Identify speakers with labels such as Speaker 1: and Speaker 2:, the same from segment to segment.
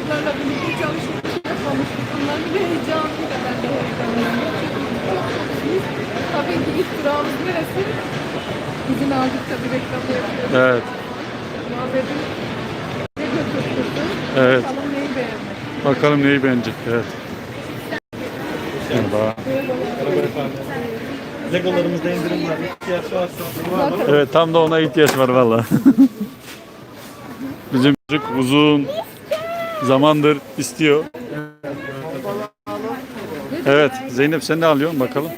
Speaker 1: çocuklarla birlikte çalışmak yapmamıştık. Bunlar bir heyecanlıydı, ben de heyecanlıyım. Çünkü tabii ki ilk durağımız neresi? İzin aldık tabii, reklamı yapıyoruz.
Speaker 2: Evet.
Speaker 1: Muhabbetin ne götürdü?
Speaker 2: Evet.
Speaker 1: Bakalım neyi beğenmek.
Speaker 2: Bakalım neyi beğenecek. Evet. Merhaba.
Speaker 3: Merhaba efendim. Legolarımızda indirim var. İhtiyaç varsa var mı?
Speaker 2: Evet, tam da ona ihtiyaç var valla. Bizim çocuk uzun zamandır istiyor. Evet, Zeynep sen ne alıyorsun bakalım.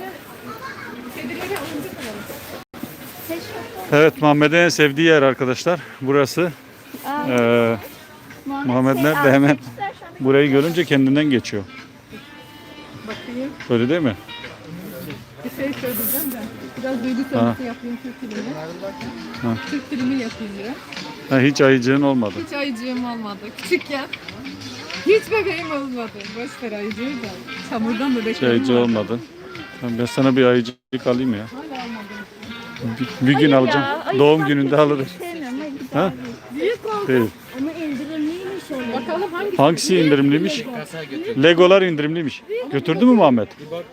Speaker 2: Evet, Muhammed'in en sevdiği yer arkadaşlar. Burası. Muhammed nerede? Hemen burayı görünce kendinden geçiyor.
Speaker 1: Bakayım.
Speaker 2: Öyle değil mi?
Speaker 1: Bir şey söyleyeceğim de. Biraz duygu sömürüsü yapayım Türk filmi. Türk filmi yapayım biraz.
Speaker 2: Ha, hiç ayıcığın olmadı.
Speaker 1: Hiç ayıcığım olmadı. Küçükken hiç bebeğim olmadı. Boş ver ayıcığı da. Çamurdan
Speaker 2: Hiç
Speaker 1: bebeklerim
Speaker 2: ayıcı
Speaker 1: vardı.
Speaker 2: olmadı. Tamam, ben sana bir ayıcık alayım ya.
Speaker 1: Hala almadım.
Speaker 2: Bir gün alacağım. Doğum gününde alırız. Ha?
Speaker 1: Büyük oldu.
Speaker 2: Değil.
Speaker 4: Ama indirimliymiş öyle.
Speaker 1: Bakalım hangisi?
Speaker 2: Hangisi indirimliymiş? Legolar indirimliymiş. Götürdü mü Muhammed?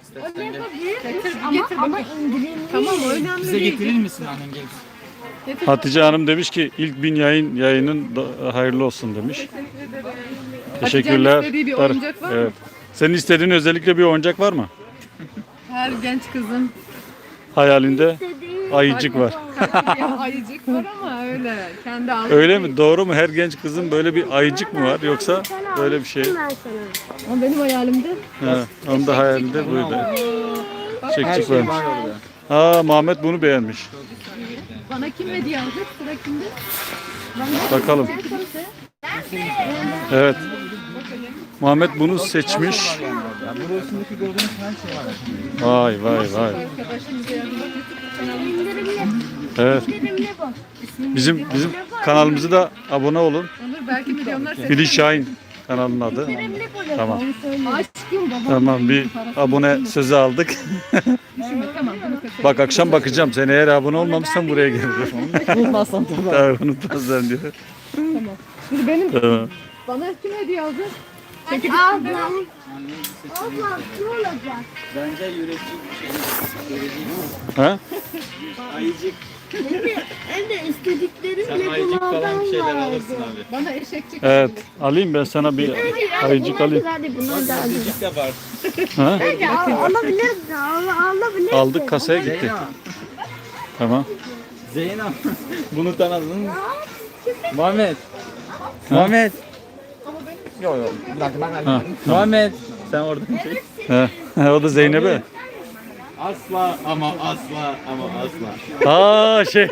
Speaker 4: Ama indirimli.
Speaker 1: Tamam, önemli
Speaker 3: Bize
Speaker 1: değil.
Speaker 3: getirir misin annen gelirse?
Speaker 2: Hatice Hanım demiş ki ilk 1000 yayının hayırlı olsun demiş. Teşekkürler.
Speaker 1: Hatice'nin istediği bir oyuncak var mı?
Speaker 2: Evet. Senin istediğin özellikle bir oyuncak var mı?
Speaker 1: Her genç kızın
Speaker 2: Hayalinde ayıcık var.
Speaker 1: ya ayıcık var ama öyle. Kendi aldığı
Speaker 2: Öyle mi? Doğru mu? Her genç kızın böyle bir ayıcık mı var yoksa böyle bir şey?
Speaker 4: Ben sana.
Speaker 1: Ama benim hayalimde
Speaker 2: Ha, onun da hayalinde buydu.
Speaker 3: Her
Speaker 2: Çekçik
Speaker 3: şey
Speaker 2: varmış.
Speaker 3: var orada.
Speaker 2: Aa, Muhammed bunu beğenmiş.
Speaker 1: bana kim hediye alacak? Sıra kimde?
Speaker 2: Bakalım. Evet. Muhammed bunu seçmiş.
Speaker 3: Ya burasındaki gördüğünüz her şey var.
Speaker 2: Vay vay vay.
Speaker 1: Arkadaşımıza yardım et.
Speaker 4: İndirimli.
Speaker 2: Evet.
Speaker 4: İndirimli bu.
Speaker 2: Bizim kanalımıza da abone olun.
Speaker 1: Onur belki milyonlar seçer.
Speaker 2: Filiz Şahin kanalının adı.
Speaker 4: İndirimli bu.
Speaker 2: Tamam.
Speaker 1: Aşkım babam.
Speaker 2: Tamam, bir abone sözü aldık.
Speaker 1: Düşünme, tamam bunu kaçırdım.
Speaker 2: Bak akşam bakacağım. Sen eğer abone olmamışsan buraya gelirim.
Speaker 3: Unutmazsan tabii.
Speaker 2: Tabii unutmazsan diyor.
Speaker 1: Tamam. Şimdi benim
Speaker 2: Tamam.
Speaker 1: bana kim hediye alacak?
Speaker 4: Ablam. Ablam ne olacak?
Speaker 3: Bence yürekçi bir şey.
Speaker 2: Ha?
Speaker 3: Ayıcık.
Speaker 4: Hem de istediklerim
Speaker 3: Sen ayıcık falan bir şeyler alırsın abi.
Speaker 1: Bana eşekçik.
Speaker 2: Evet. Alayım ben sana bir ayıcık alayım.
Speaker 4: Hadi bunlar da alayım.
Speaker 3: Ayıcık de var.
Speaker 2: Ha?
Speaker 4: Hadi alabiliriz. Alabiliriz.
Speaker 2: Aldık, kasaya gitti.
Speaker 3: Zeynep.
Speaker 2: Tamam.
Speaker 3: Zeynep. Bunu tanıdın mı? Muhammed. Muhammed. Yok yok. Bir dakika ben
Speaker 2: Ha,
Speaker 3: halledeyim. Muhammed. Sen oradan çek.
Speaker 2: Ha, o da Zeynep'e.
Speaker 3: Asla ama asla ama asla.
Speaker 2: Aa şey.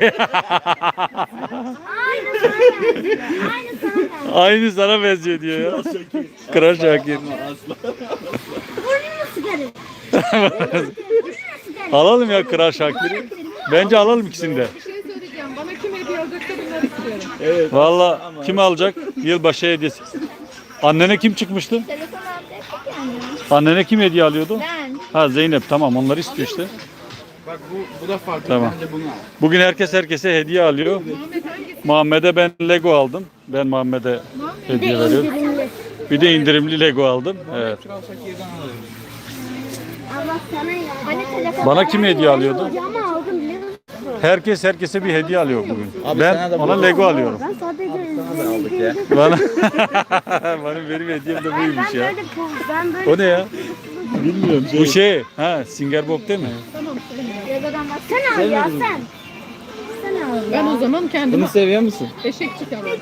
Speaker 2: Aynı sana benziyor diyor ya. Kral Şakir.
Speaker 3: Ama asla.
Speaker 4: Burnunu sıkarım.
Speaker 2: Alalım ya Kral Şakir'i. Bence alalım ikisini de.
Speaker 1: Bir şey söyleyeceğim. Bana kim hediye alacaksa bunları istiyorum.
Speaker 2: Valla kim alacak? Yılbaşı hediyesi. Annene kim çıkmıştı?
Speaker 4: Telefon alacaktık yani.
Speaker 2: Annene kim hediye alıyordu?
Speaker 4: Ben.
Speaker 2: Ha, Zeynep, tamam, onları istiyor işte.
Speaker 3: Bak bu da farklı.
Speaker 2: Tamam.
Speaker 3: Bence bunu al.
Speaker 2: Bugün herkes herkese hediye alıyor. Muhammed'e ben Lego aldım. Ben Muhammed'e hediye veriyorum.
Speaker 4: İndirimli.
Speaker 2: Bir de indirimli Lego aldım. Evet.
Speaker 3: Kral Şakir'den alırım.
Speaker 4: Allah sana ya. Hani telefon
Speaker 2: Bana kim hediye alıyordu?
Speaker 4: Ama aldım biliyor musun?
Speaker 2: Herkes herkese bir hediye alıyor bugün.
Speaker 3: Abi
Speaker 2: Ben
Speaker 3: sana da
Speaker 2: ona
Speaker 3: bu-
Speaker 2: Lego alıyorum.
Speaker 4: Ben sadece
Speaker 3: aldık ya.
Speaker 2: Bana benim hediyem de buymuş ya.
Speaker 4: ben böyle
Speaker 2: O ne ya? Bilmiyorum. Bu şey, Singer Bob değil mi?
Speaker 4: Lego'dan bak. Sen al ya sen. Sen al ya.
Speaker 1: Ben o zaman kendime
Speaker 3: Bunu seviyor musun?
Speaker 1: eşekçik alayım.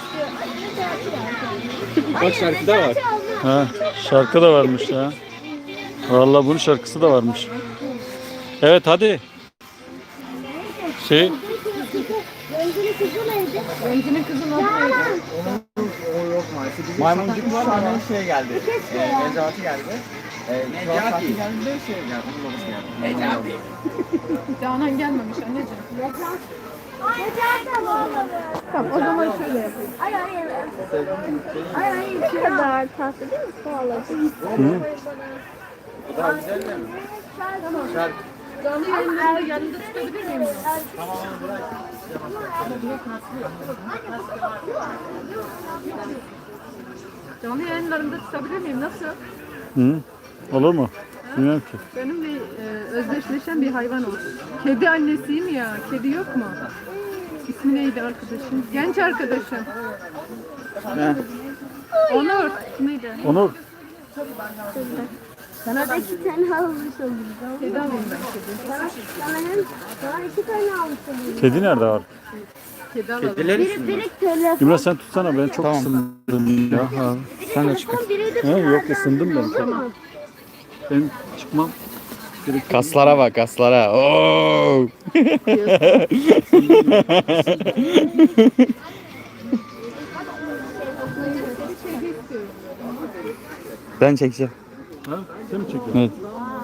Speaker 3: Bak şarkı da var.
Speaker 2: Ha, şarkı da varmış ya. Vallahi bunun şarkısı da varmış. Evet, hadi. Şey,
Speaker 4: Öncünün kızı neydi?
Speaker 1: Öncünün kızın adı neydi?
Speaker 3: O yok maalesef. Maymuncuk var ama şey geldi. Necati geldi. Necati geldi de şey geldi. Onun babası geldi. Necati.
Speaker 1: Canan gelmemiş anneciğim.
Speaker 4: Necati abla.
Speaker 1: Tamam, o zaman şöyle yapayım.
Speaker 4: Ay ay ay. Ay ay ne kadar tatlı değil mi? Pahalı.
Speaker 3: Daha güzel değil mi? Şarkı.
Speaker 1: Canlı yayınlarında yanında tutabilir miyim?
Speaker 3: Tamam onu bırak.
Speaker 1: Canlı yayınlarında tutabilir miyim? Nasıl?
Speaker 2: Hı? Olur mu? Bilmiyorum ki.
Speaker 1: Benimle özdeşleşen bir hayvan olsun. Kedi annesiyim ya. Kedi yok mu? İsmi neydi arkadaşım? Genç arkadaşım. Onur. Neydi?
Speaker 2: Onur.
Speaker 4: Sana da 2 tane almış oldum.
Speaker 1: Kedi alayım ben kedi.
Speaker 4: Sana 2 tane almış oldum.
Speaker 2: Kedi nerede var?
Speaker 1: Kedi alalım.
Speaker 4: Biri telefon.
Speaker 2: İmran sen tutsana, ben çok ısındım ya.
Speaker 3: Sen de çıkın.
Speaker 4: Biri de
Speaker 2: He, yok ısındım ben.
Speaker 1: Tamam.
Speaker 2: Ben çıkmam. Gerek.
Speaker 3: Kaslara bak kaslara. Oo.
Speaker 1: Kedi istiyorum.
Speaker 3: Ben çekeceğim.
Speaker 2: Ha? Sen mi çekiyorsun?
Speaker 3: Evet.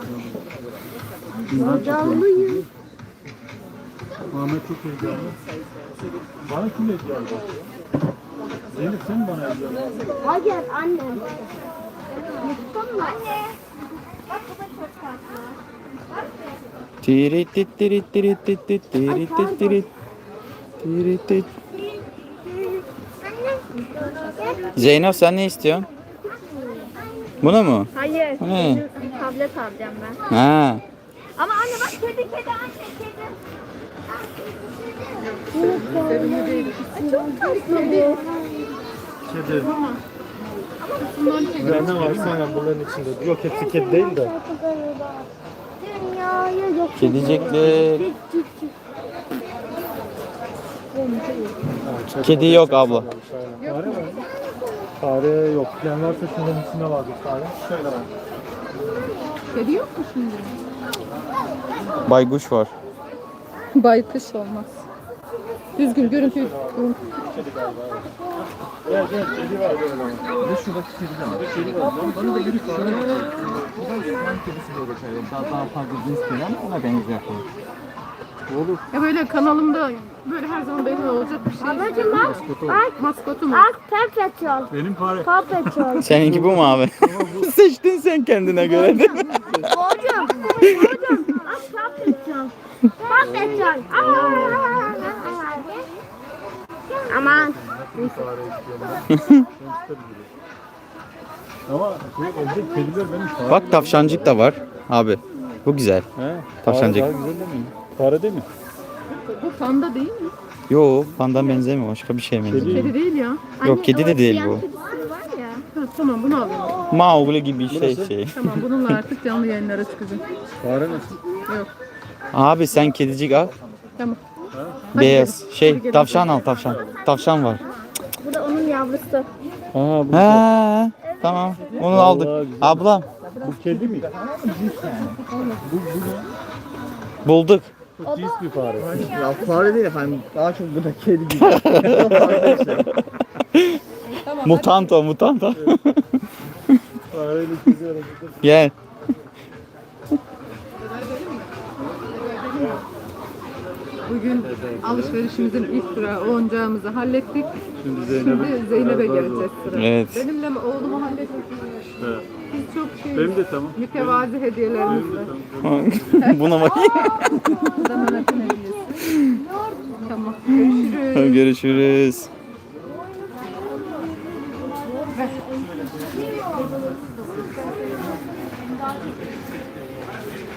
Speaker 4: Canlıyım.
Speaker 2: Ahmet çok heyecanlı. Bana kim hediye aldı? Zeynep sen mi bana hediye aldın?
Speaker 4: Hayır anne. Mutlum mu? Anne. Bak bu da çok tatlı.
Speaker 3: Tirit tit tirit tirit tit tit tirit tit tirit. Tirit tit. Zeynep sen ne istiyorsun? Bunu mu?
Speaker 4: Hayır.
Speaker 3: Ne?
Speaker 4: Tablet alacağım ben.
Speaker 3: Ha.
Speaker 4: Ama anne bak kedi anne kedi.
Speaker 1: Sevimli değil.
Speaker 4: Çok tatlı bu.
Speaker 2: Kedi.
Speaker 1: Bundan çekiyorum.
Speaker 2: Ne var sen bunların içinde? Yok hepsi kedi değil de.
Speaker 4: Dünyayı yok.
Speaker 3: Kedicekler. Kedi yok abla.
Speaker 2: Fare var. Fare yok. Plan varsa şunun içinde vardır fare. Şöyle var.
Speaker 1: Kedi yok mu şimdi?
Speaker 3: Baykuş var.
Speaker 1: Baykuş olmaz. Düzgün görüntü.
Speaker 2: Evet evet kedi var böyle ama.
Speaker 3: Ve şuradaki kedi de var.
Speaker 2: Kedi var. Bana da yürü fare.
Speaker 3: Bu da Yunan kedisi diye geçiyor. Daha fazla cins değil ama ona benziyor.
Speaker 2: Olur.
Speaker 1: Ya böyle kanalımda böyle her zaman benim olacak bir şey.
Speaker 4: Ablacım bak. Bak.
Speaker 1: Maskotu mu?
Speaker 4: Bak Paw
Speaker 2: Benim fare.
Speaker 4: Paw.
Speaker 3: Seninki bu mu abi? Seçtin sen kendine göre değil mi?
Speaker 4: Hocam. Bak Paw. Aman.
Speaker 2: Ama evde kediler benim fare.
Speaker 3: Bak tavşancık da var abi. Bu güzel.
Speaker 2: He?
Speaker 3: Tavşancık.
Speaker 2: Fare daha güzel değil mi? Fare değil mi?
Speaker 1: Bu panda değil mi?
Speaker 3: Yo pandan benzemiyor, başka bir şeye benziyor.
Speaker 1: Kedi değil ya.
Speaker 3: Yok kedi de değil bu.
Speaker 1: Ha, tamam bunu alayım.
Speaker 3: Mowgli gibi şey.
Speaker 1: Tamam bununla artık canlı yayınlara çıkacağım.
Speaker 2: Fare nasıl?
Speaker 1: Yok.
Speaker 3: Abi sen kedicik al.
Speaker 1: Tamam.
Speaker 3: Beyaz.
Speaker 1: Hadi
Speaker 3: Şey
Speaker 1: gelin.
Speaker 3: tavşan al tavşan. Tavşan var.
Speaker 4: Bu da onun yavrusu.
Speaker 2: Aa bu,
Speaker 3: Ha tamam. Onu aldık.
Speaker 2: güzel.
Speaker 3: Ablam
Speaker 2: bu kedi mi?
Speaker 3: bulduk.
Speaker 2: Çok cins bir fare.
Speaker 3: Ya fare değil efendim. Daha çok bu da kedi gibi.
Speaker 1: Tamam.
Speaker 3: Mutant o mutant o.
Speaker 2: Fareyle kedi arasında.
Speaker 3: Gel.
Speaker 1: Bugün alışverişimizin ilk durağı oyuncağımızı hallettik.
Speaker 2: Şimdi
Speaker 1: Şimdi Zeynep'e geleceğiz sıra.
Speaker 3: Evet.
Speaker 1: Benimle oğlumu hallettik.
Speaker 2: Evet.
Speaker 1: Biz çok
Speaker 2: Benim de tamam.
Speaker 1: mütevazi hediyelerimiz var.
Speaker 3: Buna bak.
Speaker 1: Bu da Mehmet'in hediyesi. Tamam. Görüşürüz.
Speaker 3: Görüşürüz.